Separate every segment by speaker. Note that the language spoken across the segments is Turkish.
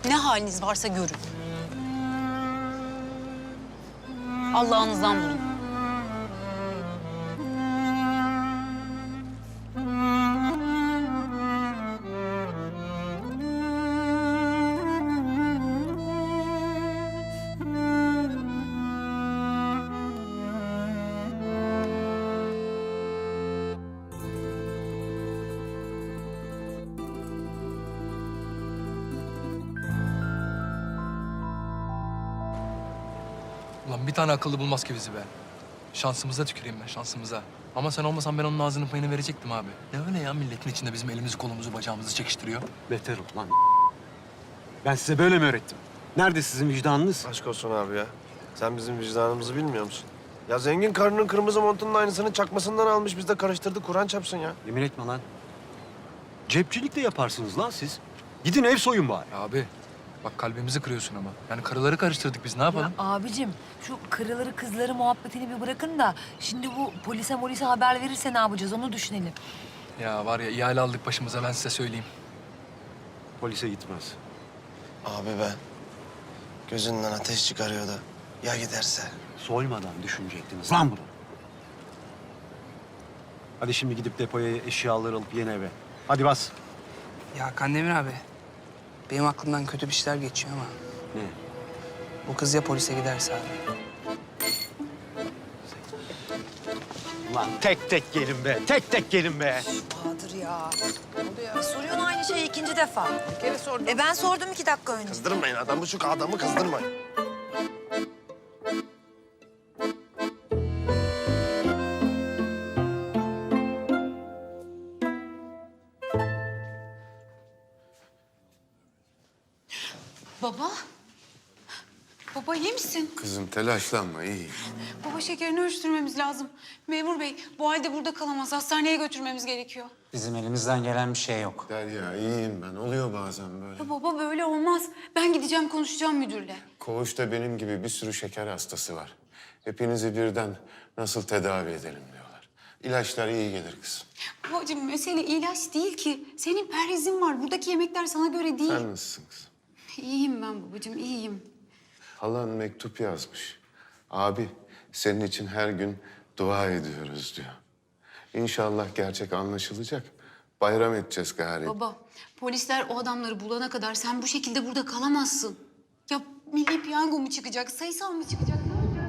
Speaker 1: Ne haliniz varsa görün. Allah'ınızdan bulun.
Speaker 2: Ulan bir tane akıllı bulmaz ki bizi be. Şansımıza tüküreyim ben, şansımıza. Ama sen olmasan ben onun ağzının payını verecektim abi. Ne öyle ya, milletin içinde bizim elimizi kolumuzu bacağımızı çekiştiriyor.
Speaker 3: Beter ol lan. Ben size böyle mi öğrettim? Nerede sizin vicdanınız?
Speaker 4: Aşk olsun abi ya. Sen bizim vicdanımızı bilmiyor musun? Ya zengin karının kırmızı montunun aynısını çakmasından almış, biz de karıştırdık. Kur'an çarpsın ya.
Speaker 3: Yemin etme lan. Cepçilik de yaparsınız lan siz. Gidin ev soyun bari.
Speaker 2: Ya abi, bak kalbimizi kırıyorsun ama. Yani karıları karıştırdık biz, ne yapalım?
Speaker 5: Ya abicim şu karıları kızları muhabbetini bir bırakın da şimdi bu polise haber verirse ne yapacağız onu düşünelim.
Speaker 2: Ya var ya, ihale aldık başımıza, ben size söyleyeyim.
Speaker 3: Polise gitmez.
Speaker 4: Abi ben gözünden ateş çıkarıyordu. Ya giderse?
Speaker 3: Soymadan düşünecektiniz lan bunu. Hadi şimdi gidip depoya eşyaları alıp yeni eve. Hadi bas.
Speaker 6: Ya Kandemir abi, benim aklımdan kötü bir şeyler geçiyor ama
Speaker 3: Ne?
Speaker 6: bu kız ya polise giderse abi.
Speaker 3: Lan tek tek gelin be. Tek tek gelin be.
Speaker 5: Bahadır ya. Ne oluyor ya? Soruyorsun aynı şeyi ikinci defa. Bir kere sordum. Ben sordum 2 dakika önce.
Speaker 4: Kızdırmayın adamı, şu adamı kızdırmayın.
Speaker 1: Baba. Baba iyi misin?
Speaker 7: Kızım telaşlanma, iyi.
Speaker 1: Baba şekerini ölçtürmemiz lazım. Memur bey bu halde burada kalamaz. Hastaneye götürmemiz gerekiyor.
Speaker 8: Bizim elimizden gelen bir şey yok.
Speaker 7: Derya, iyiyim ben. Oluyor bazen böyle.
Speaker 1: Ya baba böyle olmaz. Ben gideceğim konuşacağım müdürle.
Speaker 7: Koğuşta benim gibi bir sürü şeker hastası var. Hepinizi birden nasıl tedavi edelim diyorlar. İlaçlar iyi gelir kızım.
Speaker 1: Babacığım mesele ilaç değil ki. Senin perhizin var. Buradaki yemekler sana göre değil.
Speaker 7: Sen nasılsın kızım?
Speaker 1: İyiyim ben babacığım iyiyim.
Speaker 7: Halan mektup yazmış. Abi, senin için her gün dua ediyoruz diyor. İnşallah gerçek anlaşılacak. Bayram edeceğiz gari.
Speaker 1: Baba polisler o adamları bulana kadar sen bu şekilde burada kalamazsın. Ya milli piyango mu çıkacak, sayısal mı çıkacak? Ne olacak?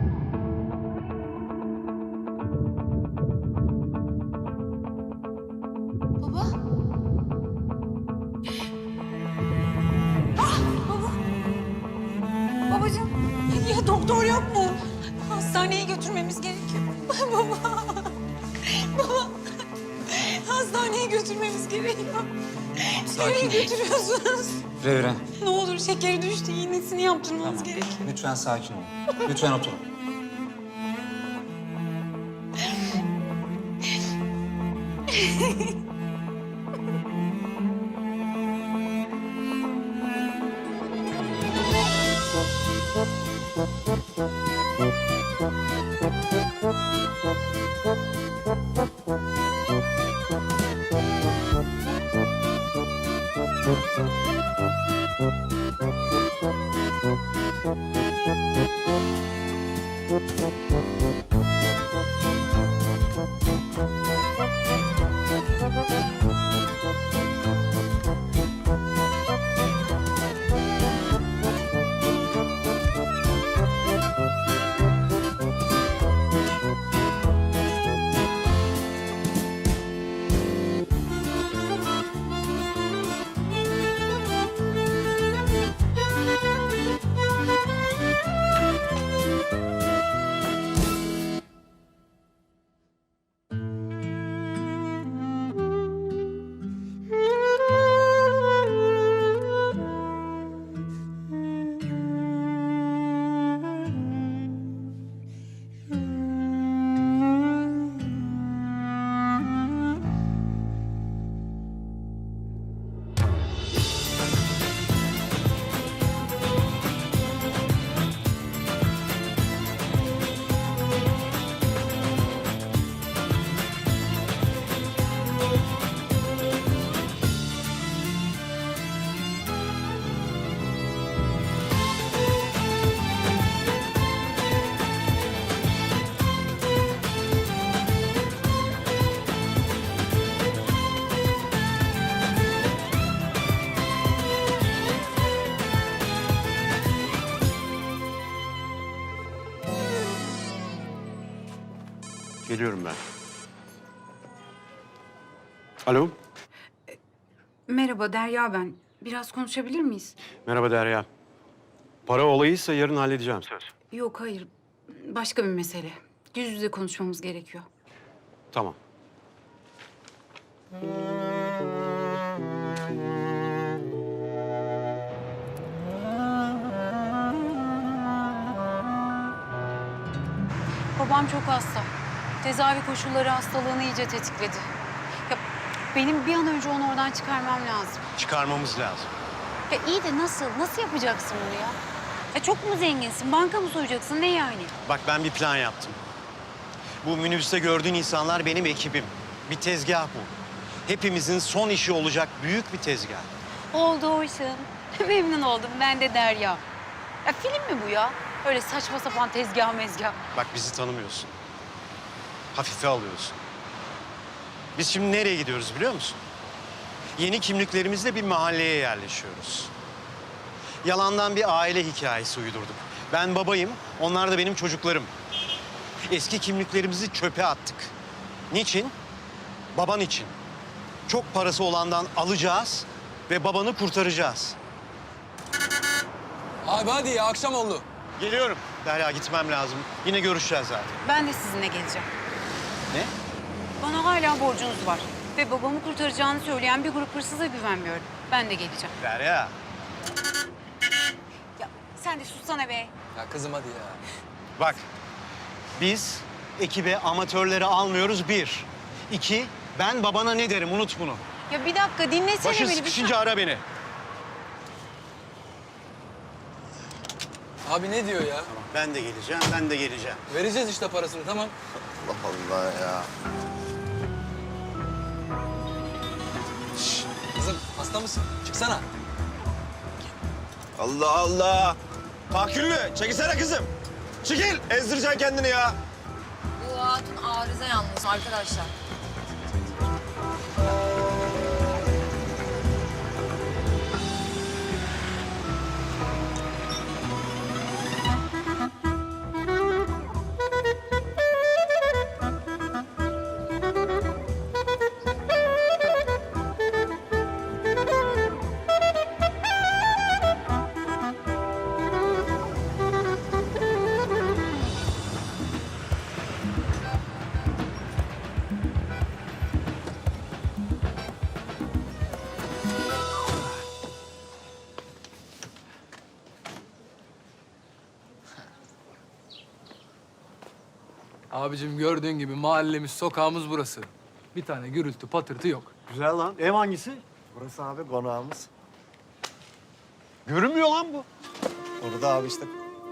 Speaker 1: Baba. Ah baba. Babacığım ya doktor yok mu? Hastaneye götürmemiz gerekiyor. Baba. Baba. Hastaneye götürmemiz gerekiyor. Nereye götürüyorsunuz?
Speaker 8: Revire,
Speaker 1: Ne olur şekeri düştü, iğnesini yaptırmamız gerekiyor.
Speaker 8: lütfen sakin olun. Lütfen oturun.
Speaker 3: Geliyorum ben. Alo.
Speaker 9: Merhaba Derya ben. Biraz konuşabilir miyiz?
Speaker 3: Merhaba Derya. Para olayıysa yarın halledeceğim söz.
Speaker 9: Yok hayır. Başka bir mesele. Yüz yüze konuşmamız gerekiyor.
Speaker 3: Tamam.
Speaker 1: Babam çok hasta. Tedavi koşulları hastalığını iyice tetikledi. Ya benim bir an önce onu oradan çıkarmam lazım.
Speaker 3: Çıkarmamız lazım.
Speaker 1: Ya iyi de nasıl? Nasıl yapacaksın bunu ya? Ya çok mu zenginsin? Banka mı soyacaksın? Ne yani?
Speaker 10: Bak ben bir plan yaptım. Bu minibüste gördüğün insanlar benim ekibim. Bir tezgah bu. Hepimizin son işi olacak büyük bir tezgah.
Speaker 1: Oldu Ocean. Memnun oldum. Ben de Derya. Ya film mi bu ya? Öyle saçma sapan tezgah mezgah.
Speaker 10: Bak bizi tanımıyorsun. Hafife alıyorsun. Biz şimdi nereye gidiyoruz biliyor musun? Yeni kimliklerimizle bir mahalleye yerleşiyoruz. Yalandan bir aile hikayesi uydurduk. Ben babayım, onlar da benim çocuklarım. Eski kimliklerimizi çöpe attık. Niçin? Baban için. Çok parası olandan alacağız ve babanı kurtaracağız.
Speaker 2: Abi hadi ya akşam oldu.
Speaker 10: Geliyorum. Derya gitmem lazım. Yine görüşeceğiz zaten.
Speaker 1: Ben de sizinle geleceğim.
Speaker 10: Ne?
Speaker 1: Bana hala borcunuz var. Ve babamı kurtaracağını söyleyen bir grup hırsıza güvenmiyorum. Ben de geleceğim.
Speaker 10: Derya.
Speaker 1: Ya sen de sussana be.
Speaker 2: Ya kızım hadi ya.
Speaker 10: Bak, biz ekibe amatörleri almıyoruz bir. İki, ben babana ne derim unut bunu.
Speaker 1: Ya bir dakika dinlesene
Speaker 10: Başın
Speaker 1: beni.
Speaker 10: sıkışınca ara beni.
Speaker 2: Abi ne diyor ya?
Speaker 10: Ben de geleceğim, ben de geleceğim.
Speaker 2: Vereceğiz işte parasını tamam.
Speaker 4: Allah Allah ya.
Speaker 2: Kızım hasta mısın? Çıksana.
Speaker 4: Allah Allah. Tahküllü çekilsene kızım. Çekil. Ezdireceksin kendini ya.
Speaker 5: Bu hatun arıza yalnız arkadaşlar.
Speaker 2: Abicim gördüğün gibi mahallemiz, sokağımız burası. Bir tane gürültü, patırtı yok.
Speaker 3: Güzel lan. Ev hangisi?
Speaker 4: Burası abi konağımız.
Speaker 3: Görünmüyor lan bu.
Speaker 4: Orada abi işte.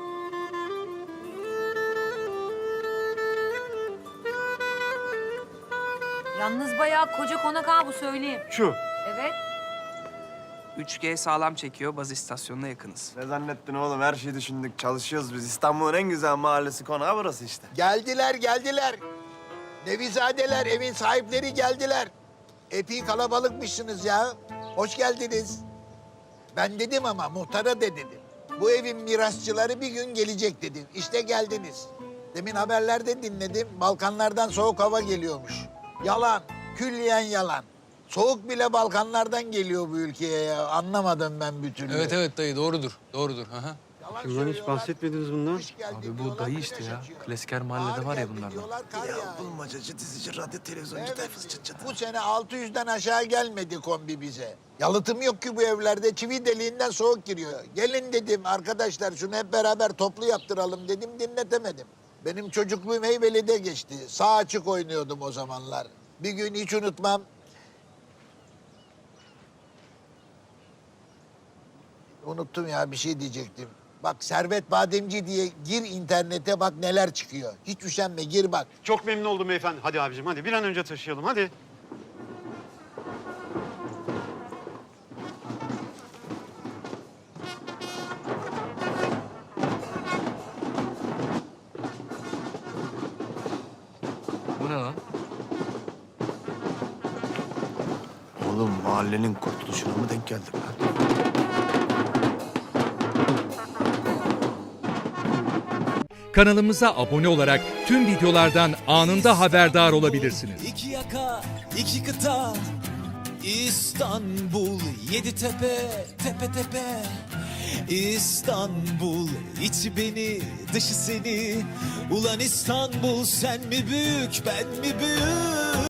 Speaker 5: Yalnız bayağı koca konak ha bu söyleyeyim.
Speaker 3: Şu.
Speaker 5: Evet.
Speaker 6: 3G sağlam çekiyor. Baz istasyonuna yakınız.
Speaker 4: Ne zannettin oğlum? Her şeyi düşündük. Çalışıyoruz biz. İstanbul'un en güzel mahallesi konağı burası işte.
Speaker 11: Geldiler, geldiler. Nevizadeler, evin sahipleri geldiler. Epey kalabalıkmışsınız ya. Hoş geldiniz. Ben dedim ama muhtara da dedim. Bu evin mirasçıları bir gün gelecek dedim. İşte geldiniz. Demin haberlerde dinledim. Balkanlardan soğuk hava geliyormuş. Yalan, külliyen yalan. Soğuk bile Balkanlardan geliyor bu ülkeye ya. Anlamadım ben bir türlü.
Speaker 2: Evet dayı doğrudur. Doğrudur. Hı hı.
Speaker 11: Yalan
Speaker 3: Kimden hiç
Speaker 11: söylüyorlar.
Speaker 3: bahsetmediniz bundan?
Speaker 11: Kış geldi
Speaker 2: Abi bu
Speaker 11: diyorlar,
Speaker 2: dayı
Speaker 11: kış
Speaker 2: işte ya.
Speaker 11: açıyor.
Speaker 2: Klasik her mahallede var ya
Speaker 11: Bahar geldi
Speaker 2: bunlardan.
Speaker 11: diyorlar, kar yağıyor.
Speaker 4: Bulmacacı, dizici, radyo, televizyoncu
Speaker 11: Evet,
Speaker 4: tayfası çıt çıt.
Speaker 11: bu sene 600'den aşağı gelmedi kombi bize. Yalıtım yok ki bu evlerde. Çivi deliğinden soğuk giriyor. Gelin dedim arkadaşlar şunu hep beraber toplu yaptıralım dedim dinletemedim. Benim çocukluğum Heybeli'de geçti. Sağ açık oynuyordum o zamanlar. Bir gün hiç unutmam. Unuttum ya bir şey diyecektim. Bak Servet Bademci diye gir internete bak neler çıkıyor. Hiç üşenme gir bak.
Speaker 3: Çok memnun oldum beyefendi. Hadi abicim hadi bir an önce taşıyalım hadi.
Speaker 2: Bu ne lan?
Speaker 4: Oğlum mahallenin kurtuluşuna mı denk geldik lan?
Speaker 12: kanalımıza abone olarak tüm videolardan anında haberdar olabilirsiniz.
Speaker 13: İki yaka, iki kıta, İstanbul, yedi tepe, tepe tepe. İstanbul, içi beni, dışı seni. Ulan İstanbul, sen mi büyük, ben mi büyük?